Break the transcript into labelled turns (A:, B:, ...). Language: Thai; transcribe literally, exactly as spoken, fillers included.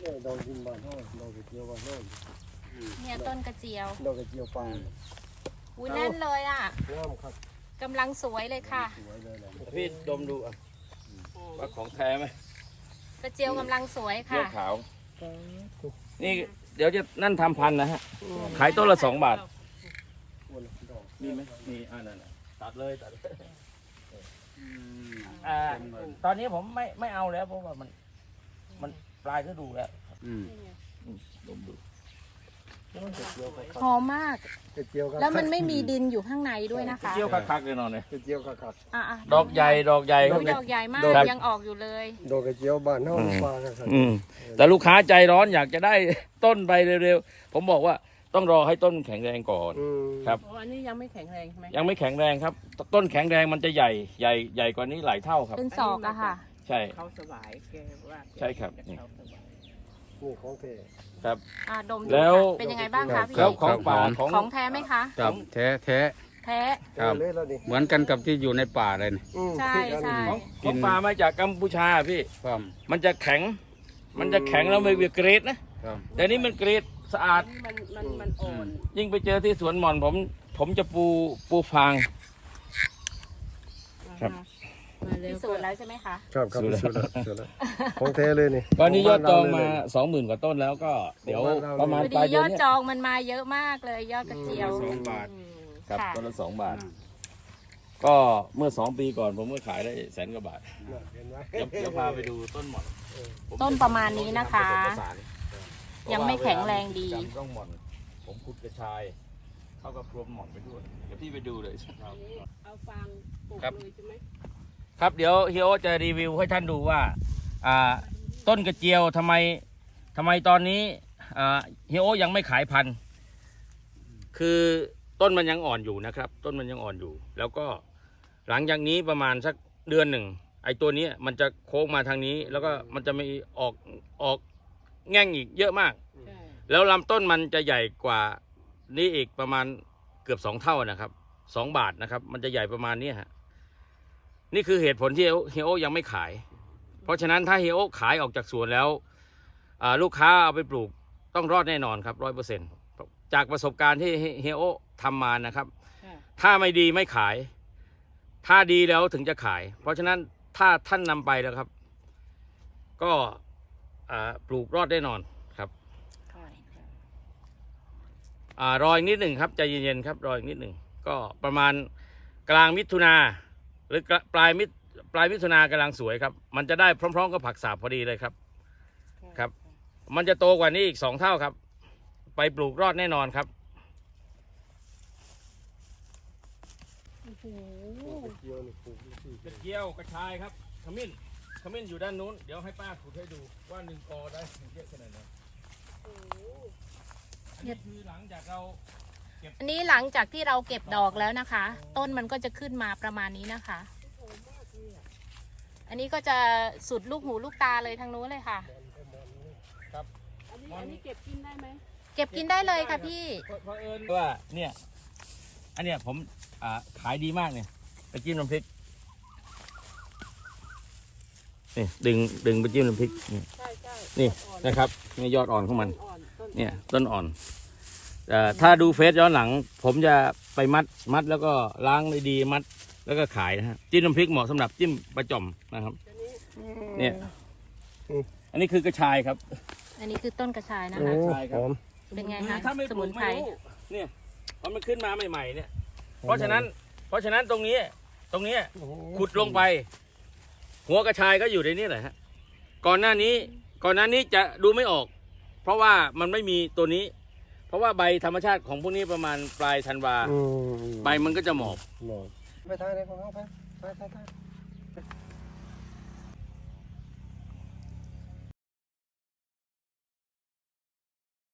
A: ดอกดินบานห้อยดอกกระเจียวบานห้อย
B: เนี่ยต้นกระเจียว
A: ดอกกระเจียวปลา
B: อุ้ยแน่นเลยอ่ะ
A: งามครับ
B: กำลังสวยเลยค่ะ
C: พี่ดมดูอ่ะว่าของแท้ไหม
B: กระเจียวกำลังสวยค่ะ
C: เจียวขาวนี่เดี๋ยวจะนั่นทำพันนะฮะขายต้นละสองบาทมีไหมมีอ่านั่นตัดเลยตัดเลยอ่าตอนนี้ผมไม่ไม่เอาแล้วเพราะว่ามันมันปลายฤดูแล้วดมดู
B: หอมมากแล้วมันไม่มีดินอยู่ข้างในด้วยนะคะ
C: เจียวคักๆเลยนอนเลย
A: กระเจียวคัก
C: ๆดอกใหญ่ดอกใหญ่
B: ดอกใหญ่มากยังออกอยู่เลย
A: ดอกกระเจียวบานห้อยปลาครับ
C: แต่ลูกค้าใจร้อนอยากจะได้ต้นไปเร็วๆผมบอกว่าต้องรอให้ต้นแข็งแรงก่อนครับ
D: อันนี้ยังไม่แข็งแรงใช่ไหม
C: ยังไม่แข็งแรงครับต้นแข็งแรงมันจะใหญ่ใหญ่ใหญ่กว่านี้หลายเท่าครับ
B: เป็นศอกอะค่ะ
C: ใช่
D: เขาสบายแกว่า
C: ใช่ครับนี่
A: ของแท้
C: ครับ
B: ดม
C: แล้ว
B: เป็นยังไงบ้างคะพี่
C: ของป่าของ
B: ของแท้ไหมคะ
E: ครับแท้แท้
B: แท้
E: ครับเหมือนกันกับที่อยู่ในป่าเลยนี่
B: ใช่ใช่
C: ของป่ามาจากกัมพูชาพี่มันจะแข็งมันจะแข็งแล้วไม่เวียเกรดนะแต่นี่มันเกรดสะอาด
D: มันมันมันอ่อน
C: ยิ่งไปเจอที่สวนหม่อนผมผมจะปูปูฟางครับ
B: พิสูจน์แล้วใช่ไหมคะ
A: ครับครับพิสูจน์แล้วพิสูจน์แล้วของแท้เลยนี่
C: ตอนนี้ยอดจองมาสองหมื่นกว่าต้นแล้วก็เดี๋ยวประมาณปลายเดือนนี้
B: ยอดจองมันมาเยอะมากเลยยอดกระเจียว
C: สองบาทครับต้นละสองบาทก็เมื่อสองปีก่อนผมก็ขายได้แสนกว่าบาทเดี๋ยวพาไปดูต้นหม่อน
B: ต้นประมาณนี้นะคะยังไม่แข็งแรงดี
C: ต้องหม่อนผมขุดกระชายเข้ากับพรมหม่อนไปด้วยเดี๋ยวพี่ไปดูเลย
D: เอาฟางปลูกเลยใช่ไหม
C: ครับเดี๋ยวเฮียโอจะรีวิวให้ท่านดูว่าอ่าต้นกระเจียวทำไมทำไมตอนนี้อ่าเฮียโอยังไม่ขายพันธุ์คือต้นมันยังอ่อนอยู่นะครับต้นมันยังอ่อนอยู่แล้วก็หลังจากนี้ประมาณสักเดือนหนึ่งไอ้ตัวนี้มันจะโค้งมาทางนี้แล้วก็มันจะมีออกออกแง่งอีกเยอะมากแล้วลำต้นมันจะใหญ่กว่านี้อีกประมาณเกือบสองเท่านะครับสองบาทนะครับมันจะใหญ่ประมาณนี้ฮะนี่คือเหตุผลที่เฮียโอยังไม่ขายเพราะฉะนั้นถ้าเฮียโอขายออกจากสวนแล้วลูกค้าเอาไปปลูกต้องรอดแน่นอนครับร้อยเปอร์เซ็นต์จากประสบการณ์ที่เฮียโอทำมานะครับถ้าไม่ดีไม่ขายถ้าดีแล้วถึงจะขายเพราะฉะนั้นถ้าท่านนำไปแล้วครับก็ปลูกรอดแน่นอนครับรออีกนิดหนึ่งครับใจเย็นๆครับรออีกนิดหนึ่งก็ประมาณกลางมิถุนาหรือปลายมิปลายมิถุนากำลังสวยครับมันจะได้พร้อมๆกับผักสาบพอดีเลยครับครับมันจะโตกว่านี้อีกสองเท่าครับไปปลูกรอดแน่นอนครับกระเจียวกระชายครับขมิ้นขมิ้นอยู่ด้านนู้นเดี๋ยวให้ป้าขุดให้ดูว่าหนึ่งกอได้เยอะขนาดไหนอันนี้คือหลังจากเรา
B: อันนี้หลังจากที่เราเก็บดอกแล้วนะคะต้นมันก็จะขึ้นมาประมาณนี้นะคะอันนี้ก็จะสุดลูกหูลูกตาเลยทางนู้นเลยค่ะ
D: ครับอันนี้อันนี้เก็บกินได้ไหม
B: เก็บกินได้เลยค่ะพี่
C: เพราะเอิญว่าเนี่ยอันเนี้ยผมอ่าขายดีมากเนี่ยไปจิ้มน้ำพริกนี่ดึงดึงไปจิ้มน้ำพริกนี่นี่นะครับนี่ยอดอ่อนของมันเนี่ยต้นอ่อนถ้าดูเฟซย้อนหลังผมจะไปมัดมัดแล้วก็ล้างดีๆมัดแล้วก็ขายนะฮะจิ้มน้ำพริกเหมาะสำหรับจิ้มปลาจ่อมนะครับเนี่ยอันนี้คือกระชายครับ
B: อันนี้คือต้นกระชายนะคะ
C: ใช่ครับ
B: เป็นไงคะสมุนไพร
C: เนี่ยพอมันขึ้นมาใหม่ๆเนี่ยเพราะฉะนั้นเพราะฉะนั้นตรงนี้ตรงนี้ขุดลงไปหัวกระชายก็อยู่ในนี้แหละฮะก่อนหน้านี้ก่อนหน้านี้จะดูไม่ออกเพราะว่ามันไม่มีตัวนี้เพราะว่าใบธรรมชาติของพวกนี้ประมาณปลายธันวาใบมันก็จะหมอบ
A: ไปทายเลยของเขาไปไปไป